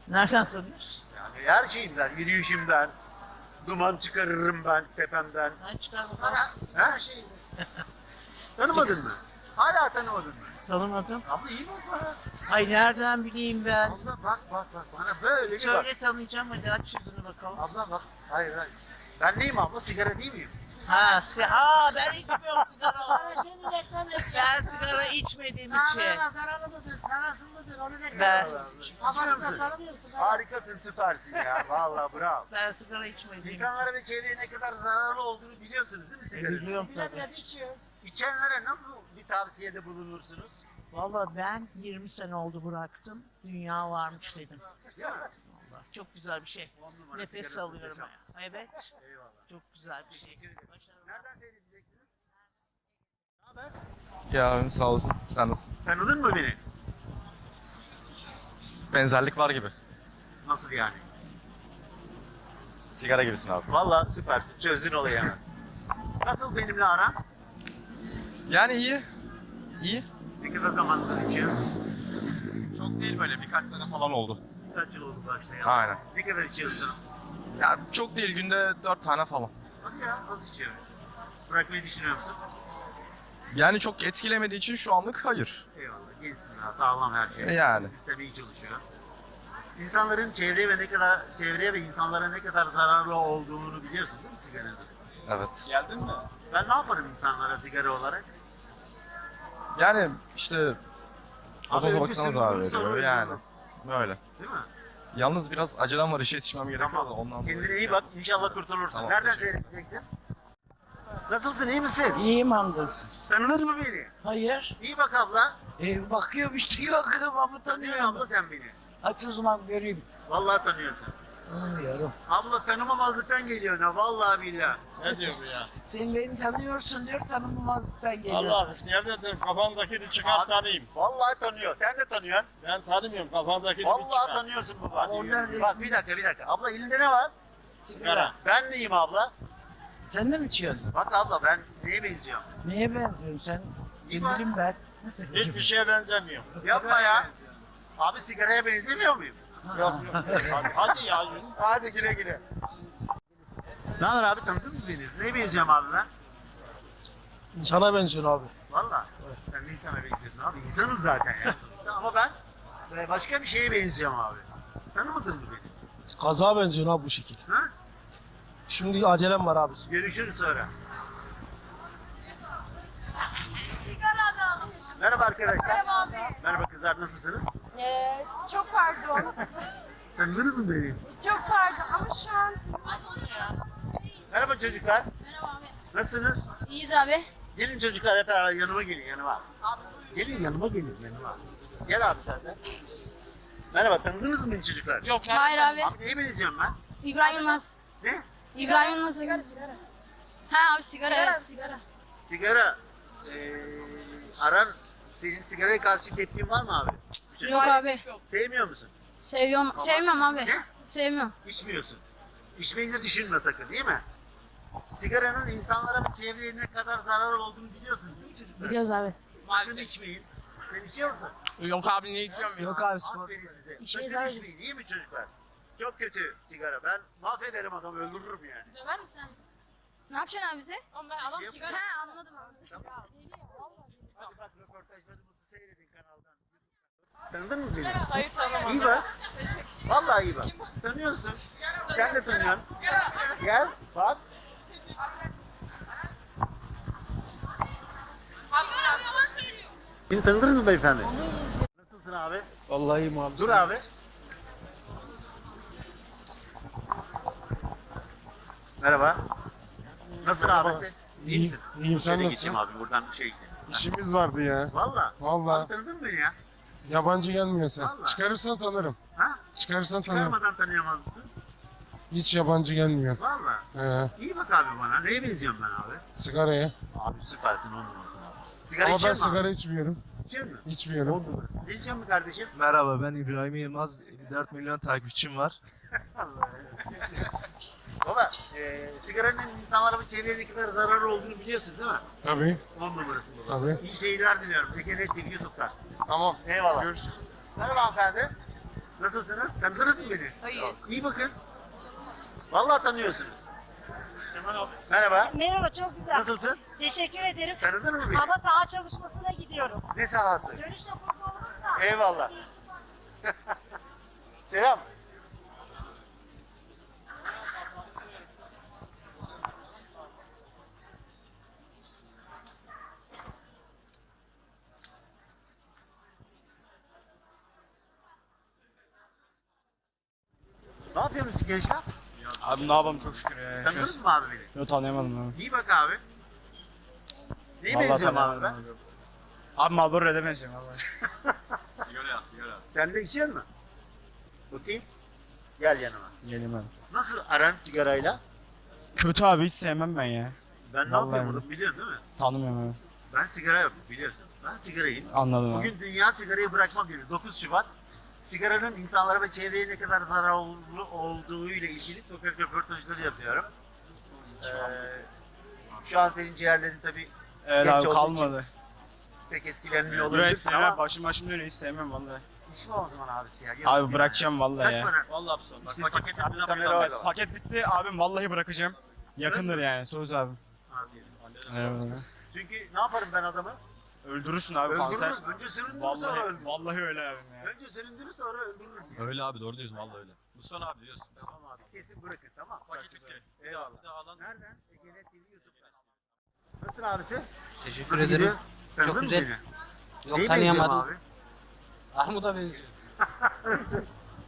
Nereden tanıyorsun? Yani her şeyimden, yürüyüşümden, duman çıkarırım ben tepemden. Ben çıkarmadım. Ha? Tanımadın mı? Hala tanımadın mı? Tanımadım. Abla iyi bak bana. Ay nereden bileyim ben? Abla bak bana böyle bir bak. Söyle tanıyacağım hadi aç yüzünü bakalım. Abla bak. Hayır. Ben neyim abla? Sigara değil miyim? Ben içmiyorum sigara. Şimdi reklam yapıyor. Ben sigara içmediğim için. Zararlı mıdır, zararsız mıdır onu reklam Ben- yapıyor. Babası da tanımıyor sigara. Harikasın, süpersin ya. Vallahi bravo. Ben sigara içmediğim için. İnsanlara ve çevreye ne kadar zararlı olduğunu biliyorsunuz değil mi sigaranın? Biliyorum tabii. Bilemedi içiyor. İçenlere nasıl bir tavsiyede bulunursunuz? Valla ben 20 sene oldu bıraktım. Dünya varmış dedim. Değil mi? Vallahi çok güzel bir şey. 10 numara Nefes sigarası alıyorum. hocam. Evet. Eyvallah. Çok güzel bir şey. Teşekkür ederim. Başarılar. Nereden seyredeceksiniz? Ne haber? Ya sağ olasın. Sen nasılsın? Tanıdın mı beni? Benzerlik var gibi. Nasıl yani? Sigara gibisin abi. Vallahi süpersin. Çözdün olayı hemen. Nasıl benimle aran? Yani iyi. İyi. Ne kadar zamandır içiyorsun? Çok değil böyle birkaç sene falan oldu. Kaç yıl oldu başlayalı? Aynen. Ne kadar içiyorsun? Ya çok değil günde 4 tane falan. Hadi ya, az içiyorsun. Bırakmayı düşünüyor musun? Yani çok etkilemediği için şu anlık hayır. Eyvallah. Gençsin daha, sağlam her şey. Yani. Sistemi iyi çalışıyor. İnsanların çevreye ve insanlara ne kadar zararlı olduğunu biliyorsun değil mi sigaranın? Evet. Geldin mi? Ben ne yaparım insanlara sigara olarak? Yani işte Abi o önce baksana zarar bunu veriyor sorun yani. ya. Böyle. Değil mi? Yalnız biraz acelem var işe yetişmem gerekiyor da Tamam. ondan Kendine dolayı iyi bak. İnşallah kurtulursun. Tamam, Nereden teşekkür seyredeceksin? Nasılsın? İyi misin? İyiyim hamdolsun. Tanıdın mı beni? Hayır. İyi bak abla. Bakıyorum işte bakıyorum ama Tanıyorsun tanıyorum. abla sen beni. Aç o zaman göreyim. Vallahi tanıyorsun. Tanımıyorum. Abla tanımamazlıktan geliyor ne? Vallahi billahi. Ne diyor bu ya? Sen beni tanıyorsun diyor tanımamazlıktan geliyor. Allah nerededir kafandakini çıkar Abi, tanıyayım. Vallahi tanıyor. Sen de tanıyorsun. Ben tanımıyorum kafandakini bir Vallahi çıkar. tanıyorsun baba. Oradan Bak bir dakika. Abla elinde ne var? Sigara. Ben neyim abla? Sen de mi içiyorsun? Bak abla ben neye benziyorum? Neye benziyorsun sen? İyi Ne bak. bileyim ben. Hiçbir şeye benzemiyor. Yapma ya. Abi sigaraya benzemiyor muyum? Yok. Hadi ya yürü. Hadi güle güle. Ne haber abi tanıdın mı beni? Neye benziyorum abi ben? İnsana benziyor abi. Valla. Sen de insana benziyorsun abi. İnsanız zaten ya sonuçta. Ama ben başka bir şeye benziyorum abi. Tanımadın mı beni? Kaza benziyor abi bu şekil. Ha? Şimdi acelem var abi. Görüşürüz sonra. Merhaba arkadaşlar. Merhaba abi. Merhaba kızlar nasılsınız? Çok pardon. Tanıdınız mı beni? Çok pardon ama şu an... Merhaba çocuklar. Merhaba abi. Nasılsınız? İyiyiz abi. Gelin çocuklar hep beraber yanıma gelin yanıma. Gelin yanıma. Gel abi sen de. Merhaba tanıdınız mı beni çocuklar? Yok. Hayır abi. Abi neye benziyorum ben? İbrahim Yılmaz. Ne? İbrahim Yılmaz. Sigara. Ha abi sigara. Evet, sigara. Sigara. Aran senin sigaraya karşı tepkin var mı abi? Yok abi. Sevmiyor musun? Seviyorum. Sevmiyorum abi. Ne? Sevmiyorum. İçmiyorsun. İçmeyi de düşünme sakın değil mi? Sigaranın insanlara ve çevreye ne kadar zararlı olduğunu biliyorsunuz değil mi çocuklar? Biliyoruz abi. Sakın içmeyin. Sen içiyor musun? Yok abi ne içiyorum ya? Yok abi spor. Aferin size. İçmeyiz Sakın abi içmeyin iyi mi çocuklar? Çok kötü sigara. Ben mahvederim adamı öldürürüm yani. Döver misin sen bizi? Ne yapacaksın abi bize? Ama ben adam sigara- Ha anladım abi. Tamam. Hadi bak röportajlarımızı seyredin kanaldan. Tanıdın mı beni? Hayır tanımam. İyi bak. Vallahi iyi bak. Tanıyorsun. Sen de tanıyorsun. Gel bak. Beni tanıdınız mı beyefendi? Nasılsın abi? Vallahi iyiyim abi. Dur abi. Merhaba. Nasılsın abi sen? İyi misin? İyiyim, sen Şöyle nasılsın? geçeyim abi buradan şey. İşimiz vardı ya. Valla. Vallahi. Abi tanıdın mı beni ya? Yabancı gelmiyorsa. Vallahi. Çıkarırsan tanırım. Ha? Çıkarırsan tanırım. Çıkarmadan tanıyamaz mısın? Hiç yabancı gelmiyor. Valla. İyi bak abi bana. Neye benziyorum ben abi? Sigaraya. Abi süpersin 10 numarasın abi. Sigara Ama ben içiyor musun sigara abi? içmiyorum. İçiyor musun? İçmiyorum. 10 numarasın. Sen içiyor musun kardeşim? Merhaba ben İbrahim Yılmaz. 54 milyon takipçim var. Allah. Baba, sigaranın insanlara ve çevreye ne kadar zararlı olduğunu biliyorsun değil mi? Tabii. 10 numarasın baba. Tabii. İyi seyirler diliyorum. Ege TV YouTube'dan. Tamam. Eyvallah. Görüşürüz. Merhaba hanımefendi. Nasılsınız? Tanıdınız mı beni? Hayır. İyi bakın. Vallahi tanıyorsunuz. Merhaba. Merhaba, çok güzel. Nasılsın? Teşekkür ederim. Tanıdın mı beni? Ama saha çalışmasına gidiyorum. Ne sahası? Dönüş topuzu olursa. Eyvallah. Selam. Ne yapıyorsunuz gençler? Abi ne yapalım çok şükür ya. Tanıdınız mı abi beni? Yok tanıyamadım abi. İyi bak abi. Neye Vallahi benziyorum abi ben? tanıyamadım abi. Abi Marlboro Red'e benziyorum vallahi. Sigara. Sen de içiyor musun? Bakayım. Gel yanıma. Geleyim abi. Nasıl aran sigarayla? Kötü abi hiç sevmem ben ya. Ben ne Vallahi yapıyorum onu biliyorsun değil mi? Tanımıyorum abi. Ben sigara yapıyorum biliyorsun. Ben sigarayım. Anladım abi. Bugün Dünya Sigarayı Bırakma Günü 9 Şubat. Sigaranın insanlara ve çevreye ne kadar zararlı olduğu ile ilgili sokak röportajları yapıyorum. Şu an senin ciğerlerin tabii Evet genç abi olduğu kalmadı. pek etkilenmiyor Evet olabilirsin sevmem. ama Başım dönüyor hiç sevmem vallahi. içme o zaman abi siyah. Abi bırakacağım vallahi Kaç ya. para? Vallahi bir son. Bak İşte paketin paket- bir de kamera kamera var. Paket bitti abim vallahi bırakacağım. Yakındır yani söz abi. Abi. Evet. Çünkü ne yaparım ben adamı? Öldürürsün abi kanser. Öldürürüm. Önce süründürür sonra Vallahi, öldürürüm. vallahi öyle abim ya. Önce süründürür sonra öldürürüm. Öyle abi doğru diyorsun vallahi öyle. Mustafa abi biliyorsun. Tamam abi kesin bırakın tamam. Paket bitti. Eyvallah. Bir de alan. Nereden? Egenet TV YouTube'dan. Nasılsın abisi? Teşekkür Nasıl ederim. gidiyor? Tanıdın Çok mı güzel. beni? Yok Neye tanıyamadım. benziyorum Armut'a benziyor. abi?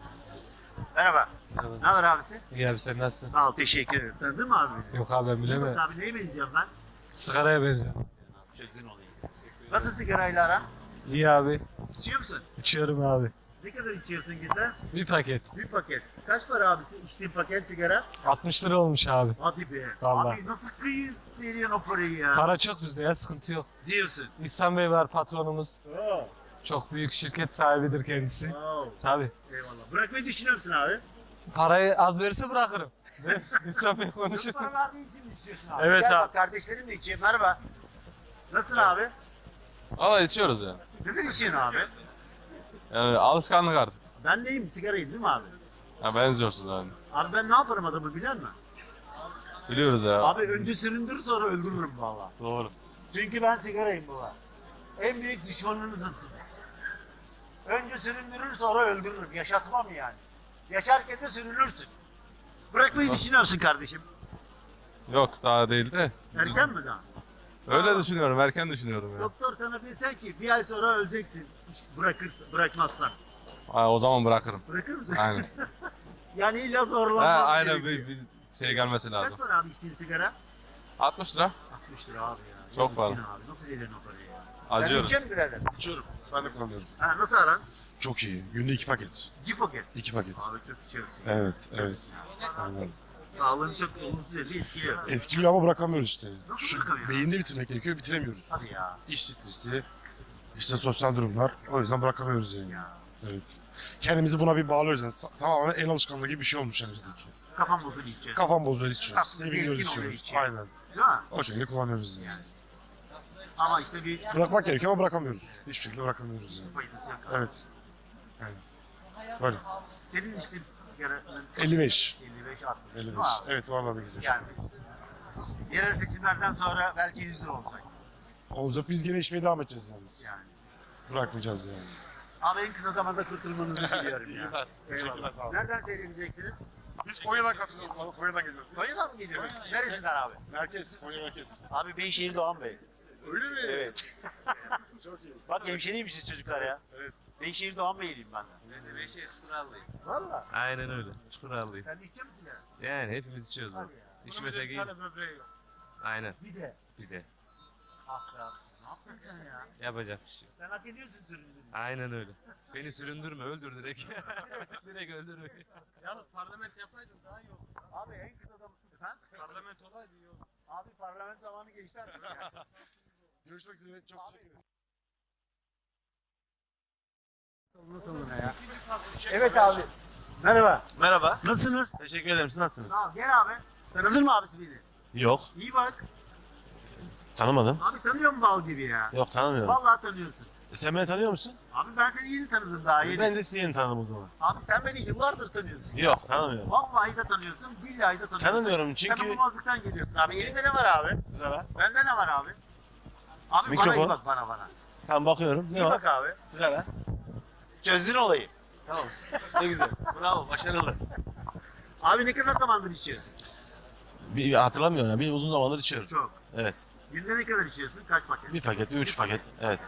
Merhaba. Merhaba. Ne haber abisi? İyi abi sen nasılsın? Sağ ol teşekkür ederim. Tanıdın mı abi beni? Yok abi ben Bak bilemem. abi neye benziyorum ben? Sigaraya benziyor. Çözgün olayım. Nasıl sigarayla aran? İyi abi. İçiyor musun? İçiyorum abi. Ne kadar içiyorsun günde? Bir paket. Bir paket. Kaç para abisi içtiğin paket sigara? 60 lira olmuş abi. Hadi be. Vallahi. Abi nasıl kıyı veriyorsun o parayı ya? Para çok bizde ya sıkıntı yok. Diyorsun. İhsan Bey var patronumuz. Oo. Çok büyük şirket sahibidir kendisi. Oo. Tabii. Eyvallah. Bırakmayı düşünüyor musun abi? Parayı az verirse bırakırım. İhsan Bey konuşur. Çok para verdiğin için mi içiyorsun abi? Evet Gel abi. bak kardeşlerim de içiyor. Merhaba. Nasılsın abi? Valla içiyoruz ya. Neden içiyorsun abi? Yani alışkanlık artık. Ben neyim? Sigarayım değil mi abi? Ha, benziyorsunuz yani. Abi ben ne yaparım adamı biliyor musun? Biliyoruz ya. Abi önce süründürür sonra öldürürüm valla. Doğru. Çünkü ben sigarayım baba. En büyük düşmanınızım sizin. Önce süründürür sonra öldürürüm. Yaşatmam yani. Yaşarken de sürünürsün. Bırakmayı düşünüyor musun kardeşim? Yok daha değil de. Erken mi daha? Öyle düşünüyorum. Erken düşünüyorum ya. Doktor sana bilsen ki bir ay sonra öleceksin. Bırakmazsan. Ha, o zaman bırakırım. Bırakır mısın? Aynen. Yani illa Ha, zorlanmam aynen gerekiyor. bir şey gelmesi Kaç lazım. para abi içtiğin sigara? 60 lira. 60 lira abi ya. Çok Yazık fazla. yine Abi. Nasıl veriyorsun o parayı ya? Acıyorum. Sen içecek misin birader? İçiyorum. Ben de kullanıyorum. Ha, nasıl aran? Çok iyi. Günde 2 paket. 2 paket. 2 paket. Abi çok içiyorsun. Evet, evet. Aynen. Sağlığını çok olumsuz etkiliyor. Etkiliyor ama bırakamıyoruz işte. Nasıl Şu bırakamıyorsun? beyinde bitirmek gerekiyor, bitiremiyoruz. Hadi ya. İş stresi, işte sosyal durumlar. O yüzden bırakamıyoruz yani. Ya. Evet. Kendimizi buna bir bağlıyoruz yani. Tamamen el alışkanlığı gibi bir şey olmuş yani bizdeki. Kafam bozuk içiyorsun. Kafam bozuyor içiyoruz. Tatlı, Seviniyoruz zevkin oluyor içiyoruz. içiyor. Aynen. Değil mi? O şekilde kullanıyoruz yani. Ama işte bir Bırakmak gerekiyor ama bırakamıyoruz. Hiçbir şekilde bırakamıyoruz yani. faydası yok. Evet. Aynen. Böyle. Senin içtiğin sigaranın 55. 55 60 değil 55. mi abi? Evet, bu arada gidiyor. Yani yerel seçimlerden sonra belki 100 lira olacak. Olacak, biz gene içmeye devam edeceğiz yalnız. Yani. Bırakmayacağız yani. Abi en kısa zamanda kurtulmanızı diliyorum ya. İyi, teşekkürler, Eyvallah. sağ olun. Nereden seyredeceksiniz? Biz Konya'dan katılıyoruz. Konya'dan geliyoruz. Konya'dan mı geliyorsunuz? Neresinden abi? Merkez, Konya merkez. Abi Beyşehir Doğan Bey. Öyle mi? Evet. Çok iyi. Bak hemşeriymişiz çocuklar ya. Evet. Beyşehir Doğan Beyliyim ben de. Ben de Beşiktaş Çukurallıyım. Valla. Aynen öyle. Çukurallıyım. Sen de içecek misin sigara? Yani hepimiz içiyoruz Hadi bunu. ya. İçmesek iyi. Aynen. Bir de. Bir de. Ah be abi. Ne yaptın sen ya? Yapacak bir şey yok. Sen hak ediyorsun süründüğünü. Aynen öyle. Beni süründürme, öldür direkt. Direkt öldür. Yalnız parlamento yapaydın daha iyi olur. Abi en kısa zaman... Efendim? Parlamento olaydı iyi olur. Abi parlamento zamanı geçti artık ya. Görüşmek üzere. Çok teşekkür ederim. Evet abi. Merhaba. Merhaba. Nasılsınız? Teşekkür ederim. Siz nasılsınız? Sağ ol. Gel abi. Tanıdın mı abisi beni? Yok. İyi bak. Tanımadım. Abi tanıyor mu bal gibi ya? Yok tanımıyorum. Vallahi tanıyorsun. Sen beni tanıyor musun? Abi ben seni yeni tanıdım daha yeni. Ben de sizi yeni tanıdım o zaman. Abi sen beni yıllardır tanıyorsun. Yok tanımıyorum. Vallahi de tanıyorsun, billahi de tanıyorsun. Tanımıyorum Sen çünkü... bulmazlıktan geliyorsun abi. Elinde ne var abi? Sigara. Bende ne var abi? Abi bana Mikrofon. iyi bak bana. Tamam bakıyorum. Ne İyi var? bak abi. Sigara. Çözdün olayı. Tamam. Ne güzel. Bravo. Başarılı. Abi ne kadar zamandır içiyorsun? Bir hatırlamıyorum ya. Bir uzun zamandır içiyorum. Çok. Evet. Günde ne kadar içiyorsun? Kaç paket? Bir paket, bir üç paket. Evet.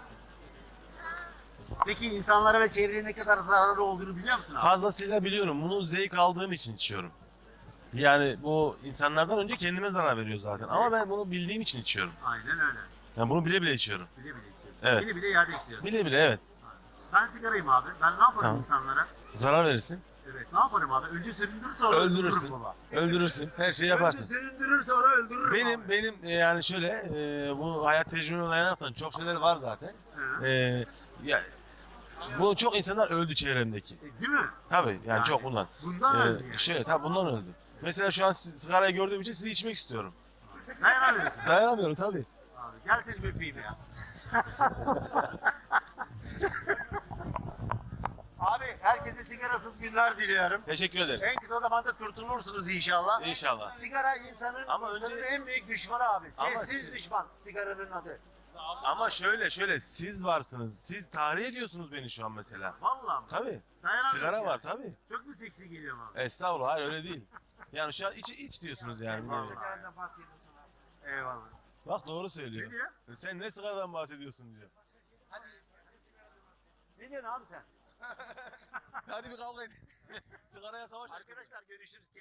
Peki insanlara ve çevreye ne kadar zararlı olduğunu biliyor musun abi? Fazlasıyla biliyorum. Bunu zevk aldığım için içiyorum. Yani bu insanlardan önce kendime zarar veriyor zaten. Ama ben bunu bildiğim için içiyorum. Aynen öyle. Yani bunu bile bile içiyorum. Bile bile içiyorsun. Evet. Bile bile iade istiyorsun. Bile bile evet. Ben sigarayım abi. Ben ne yaparım Tamam. insanlara? Zarar verirsin. Evet. Ne yaparım abi? Önce süründürür sonra Öldürürsün. öldürürüm baba. Öldürürsün. Her şeyi yaparsın. Önce süründürür sonra öldürürüm abi. Benim yani şöyle bu hayat tecrübeme dayanaraktan çok şeyler var zaten. Hı. Ya, bu çok insanlar öldü çevremdeki. Değil mi? Tabii yani, Yani çok bundan. Bundan öldü yani. Şöyle tabii bundan öldü. Mesela şu an sigarayı gördüğüm için sizi içmek istiyorum. Dayanamıyorsun. Dayanamıyorum tabii. Abi gel seni bir öpeyim ya. Abi herkese sigarasız günler diliyorum. Teşekkür ederiz. En kısa zamanda kurtulursunuz inşallah. İnşallah. Sigara insanın, Ama insanın önce- en büyük düşmanı abi. Ama Sessiz siz- düşman sigaranın adı. Ama şöyle siz varsınız. Siz tahrik ediyorsunuz beni şu an mesela. Vallahi mi? Tabii. Dayanamıyorum Sigara ya. var tabii. Çok mu seksi geliyor abi? Estağfurullah hayır öyle değil. Yani şu an iç diyorsunuz yani. Eyvallah. Bak doğru Ne söylüyor. diyor? Sen ne sigaradan bahsediyorsun diyor. Ne diyorsun abi sen? Hadi bir kavga edin. Sigaraya savaş açtık. Arkadaşlar görüşürüz.